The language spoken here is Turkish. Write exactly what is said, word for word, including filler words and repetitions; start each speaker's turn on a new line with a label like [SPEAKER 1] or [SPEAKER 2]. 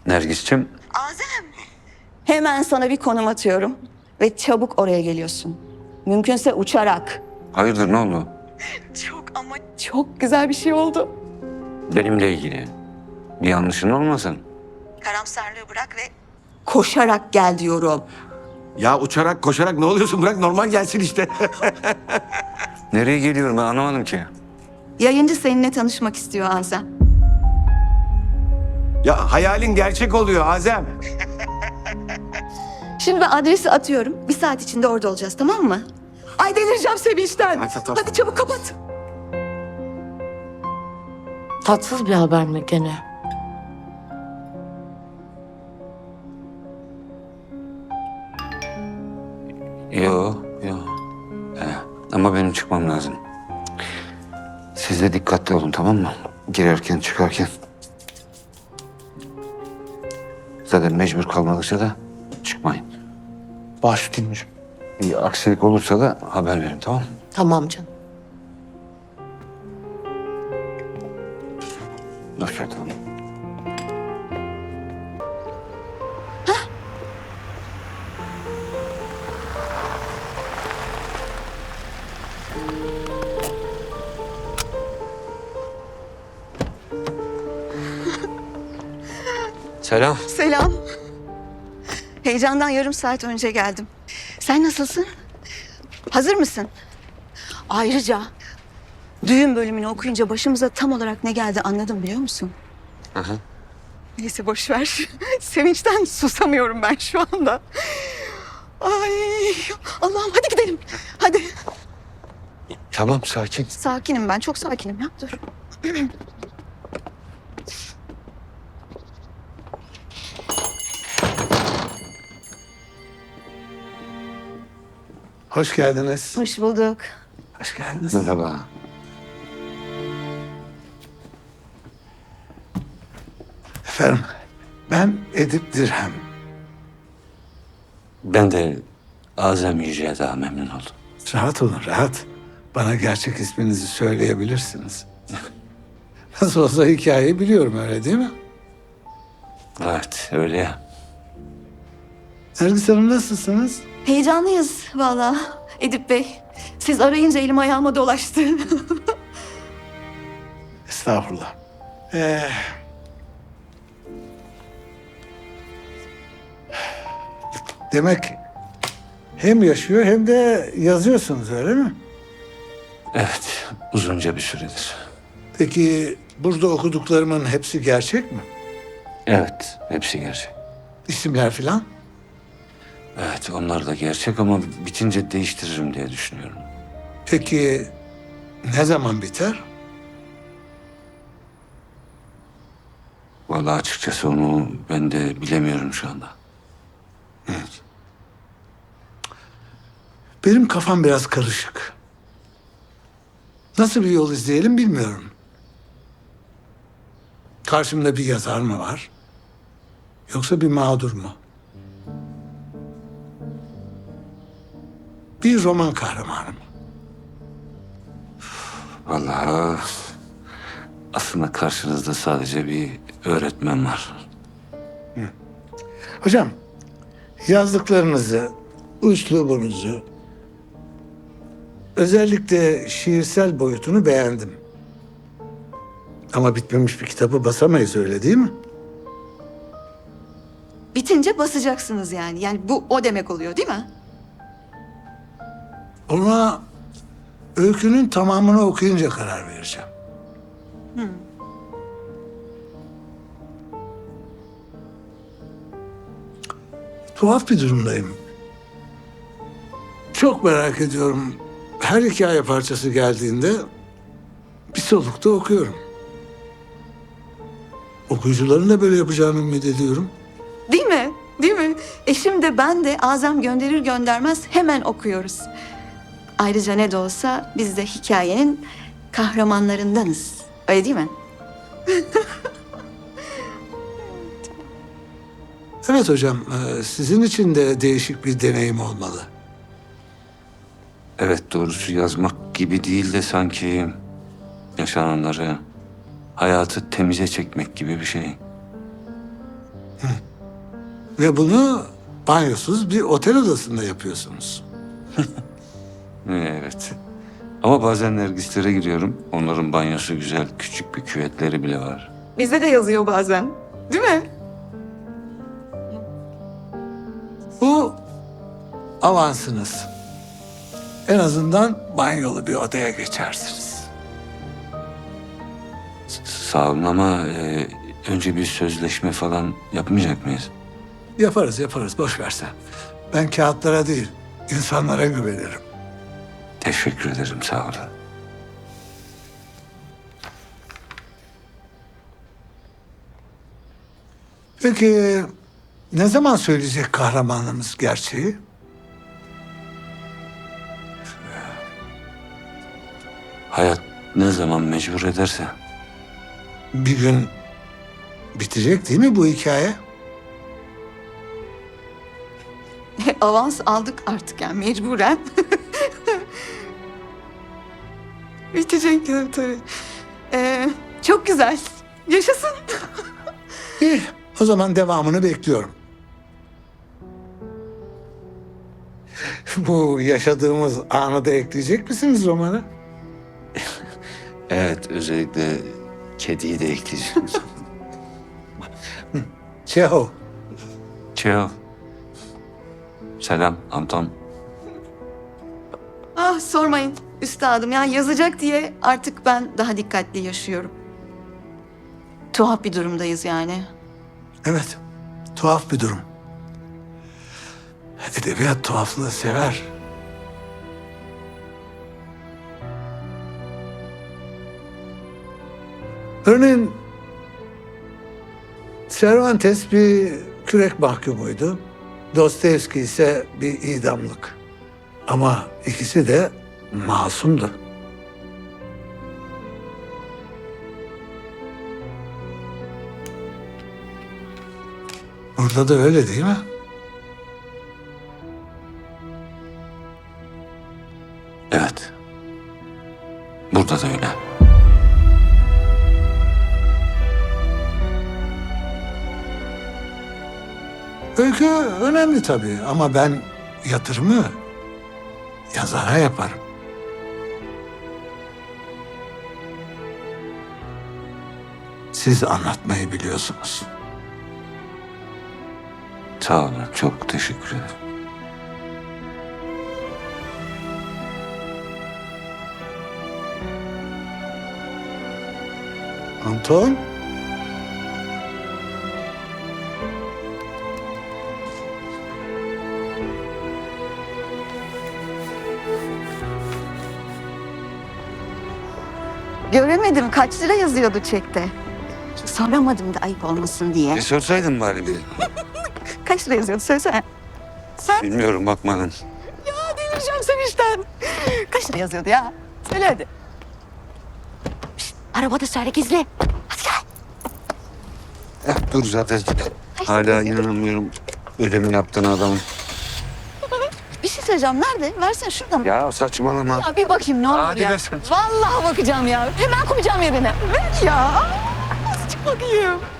[SPEAKER 1] Nergis'cim.
[SPEAKER 2] Azem. Hemen sana bir konum atıyorum ve çabuk oraya geliyorsun. Mümkünse uçarak.
[SPEAKER 1] Hayırdır, ne oldu?
[SPEAKER 2] Çok ama çok güzel bir şey oldu.
[SPEAKER 1] Benimle ilgili. Bir yanlışın olmasın.
[SPEAKER 2] Karamsarlığı bırak ve koşarak gel diyorum.
[SPEAKER 3] Ya uçarak koşarak ne oluyorsun? Bırak normal gelsin işte.
[SPEAKER 1] Nereye geliyorum ben anlamadım ki.
[SPEAKER 2] Yayıncı seninle tanışmak istiyor Azem.
[SPEAKER 3] Ya hayalin gerçek oluyor Azem.
[SPEAKER 2] Şimdi ben adresi atıyorum. Bir saat içinde orada olacağız, tamam mı? Ay delireceğim sevinçten.
[SPEAKER 3] Ay, tamam.
[SPEAKER 2] Hadi çabuk kapat.
[SPEAKER 4] Tatsız bir haber mi gene?
[SPEAKER 1] Yo, yo. Ee, ama benim çıkmam lazım. Siz de dikkatli olun, tamam mı? Girerken çıkarken. Zaten mecbur kalmadıkça da çıkmayın.
[SPEAKER 3] Baş üstünmüş.
[SPEAKER 1] Bir aksilik olursa da haber verin, tamam mı?
[SPEAKER 4] Tamam canım.
[SPEAKER 1] Hoşça kalın. Selam.
[SPEAKER 2] Selam. Heyecandan yarım saat önce geldim. Sen nasılsın? Hazır mısın? Ayrıca düğün bölümünü okuyunca başımıza tam olarak ne geldi anladım biliyor musun?
[SPEAKER 1] Aha.
[SPEAKER 2] Neyse boş ver. Sevinçten susamıyorum ben şu anda. Ay Allah'ım hadi gidelim. Hadi.
[SPEAKER 1] Tamam, sakin.
[SPEAKER 2] Sakinim ben çok sakinim ya dur.
[SPEAKER 3] Hoş geldiniz.
[SPEAKER 2] Hoş bulduk.
[SPEAKER 3] Hoş geldiniz.
[SPEAKER 1] Merhaba.
[SPEAKER 5] Efendim, ben Edip Dirhem.
[SPEAKER 1] Ben de Azem Yüce'ye daha memnun oldum.
[SPEAKER 5] Rahat olun, rahat. Bana gerçek isminizi söyleyebilirsiniz. Nasıl olsa hikayeyi biliyorum, öyle değil mi?
[SPEAKER 1] Evet, öyle ya.
[SPEAKER 5] Nergis Hanım nasılsınız?
[SPEAKER 2] Heyecanlıyız vallahi Edip Bey. Siz arayınca elim ayağıma dolaştı.
[SPEAKER 5] Estağfurullah. Ee, demek hem yaşıyor hem de yazıyorsunuz, öyle mi?
[SPEAKER 1] Evet, uzunca bir süredir.
[SPEAKER 5] Peki burada okuduklarımın hepsi gerçek mi?
[SPEAKER 1] Evet, hepsi gerçek.
[SPEAKER 5] İsimler filan?
[SPEAKER 1] Evet, onlar da gerçek ama bitince değiştiririm diye düşünüyorum.
[SPEAKER 5] Peki ne zaman biter?
[SPEAKER 1] Vallahi açıkçası onu ben de bilemiyorum şu anda.
[SPEAKER 5] Benim kafam biraz karışık. Nasıl bir yol izleyelim bilmiyorum. Karşımda bir yazar mı var? Yoksa bir mağdur mu? Bir roman kahramanı mı?
[SPEAKER 1] Vallahi aslında karşınızda sadece bir öğretmen var.
[SPEAKER 5] Hocam, yazdıklarınızı, üslubunuzu, özellikle şiirsel boyutunu beğendim. Ama bitmemiş bir kitabı basamayız, öyle değil mi?
[SPEAKER 2] Bitince basacaksınız yani. Yani bu o demek oluyor değil mi?
[SPEAKER 5] Ona öykünün tamamını okuyunca karar vereceğim. Tuhaf bir durumdayım. Çok merak ediyorum. Her hikaye parçası geldiğinde bir solukta okuyorum. Okuyucuların da böyle yapacağını ümit ediyorum.
[SPEAKER 2] Değil mi? Değil mi? Eşim de ben de Azem gönderir göndermez hemen okuyoruz. Ayrıca ne de olsa biz de hikayenin kahramanlarındanız. Öyle değil mi?
[SPEAKER 5] Evet hocam, e, sizin için de değişik bir deneyim olmalı.
[SPEAKER 1] Evet, doğrusu yazmak gibi değil de sanki yaşananları, hayatı temize çekmek gibi bir şey.
[SPEAKER 5] Ve bunu banyosuz bir otel odasında yapıyorsunuz.
[SPEAKER 1] Evet. Ama bazen Nergislere giriyorum. Onların banyosu güzel. Küçük bir küvetleri bile var.
[SPEAKER 2] Bizde de yazıyor bazen. Değil mi?
[SPEAKER 5] Bu avansınız. En azından banyolu bir odaya geçersiniz.
[SPEAKER 1] S- Sağ olun ama e, önce bir sözleşme falan yapmayacak mıyız?
[SPEAKER 5] Yaparız yaparız, boş versen. Ben kağıtlara değil, insanlara güvenirim.
[SPEAKER 1] Teşekkür ederim, sağ olun.
[SPEAKER 5] Peki ne zaman söyleyecek kahramanımız gerçeği?
[SPEAKER 1] Hayat ne zaman mecbur ederse.
[SPEAKER 5] Bir gün bitecek değil mi bu hikaye?
[SPEAKER 2] Avans aldık artık yani mecburen. Bitecek tabii tabii. Ee, çok güzel. Yaşasın.
[SPEAKER 5] İyi, o zaman devamını bekliyorum. Bu yaşadığımız anı da ekleyecek misiniz romana?
[SPEAKER 1] Evet, özellikle kediyi de ekleyeceğim.
[SPEAKER 5] Çehov.
[SPEAKER 1] Çeo. Selam Anton.
[SPEAKER 2] Ah sormayın üstadım. Yani yazacak diye artık ben daha dikkatli yaşıyorum. Tuhaf bir durumdayız yani.
[SPEAKER 5] Evet, tuhaf bir durum. Edebiyat tuhaflığı sever. Örneğin Cervantes bir kürek mahkumuydu. Dostoyevski ise bir idamlık. Ama ikisi de masumdu. Burada da öyle değil mi?
[SPEAKER 1] Evet. Burada da öyle.
[SPEAKER 5] Öykü önemli tabii ama ben yatırımı yazara yaparım. Siz anlatmayı biliyorsunuz.
[SPEAKER 1] Sağ olun, çok teşekkür ederim.
[SPEAKER 5] Anton?
[SPEAKER 2] Göremedim kaç lira yazıyordu çekte. Soramadım da ayıp olmasın diye.
[SPEAKER 1] E sorsaydın bari bir.
[SPEAKER 2] Kaç lira yazıyordu söylesene. Sen
[SPEAKER 1] Bilmiyorum, bakmadın.
[SPEAKER 2] ya delireceğim sevinçten. Kaç lira yazıyordu ya? Söyle hadi. Şişt, arabada söyle gizli. Hadi gel.
[SPEAKER 1] Eh, dur zaten. Hala inanamıyorum ödemi yaptığın adamın.
[SPEAKER 2] Bir şey söyleyeceğim. Nerede? Versene şuradan.
[SPEAKER 1] Ya saçmalama.
[SPEAKER 2] Ya bir bakayım ne olur
[SPEAKER 1] Hadi
[SPEAKER 2] ya.
[SPEAKER 1] ver sen.
[SPEAKER 2] Vallahi bakacağım ya. Hemen koyacağım yerine. Ver ya. Azıcık bakayım.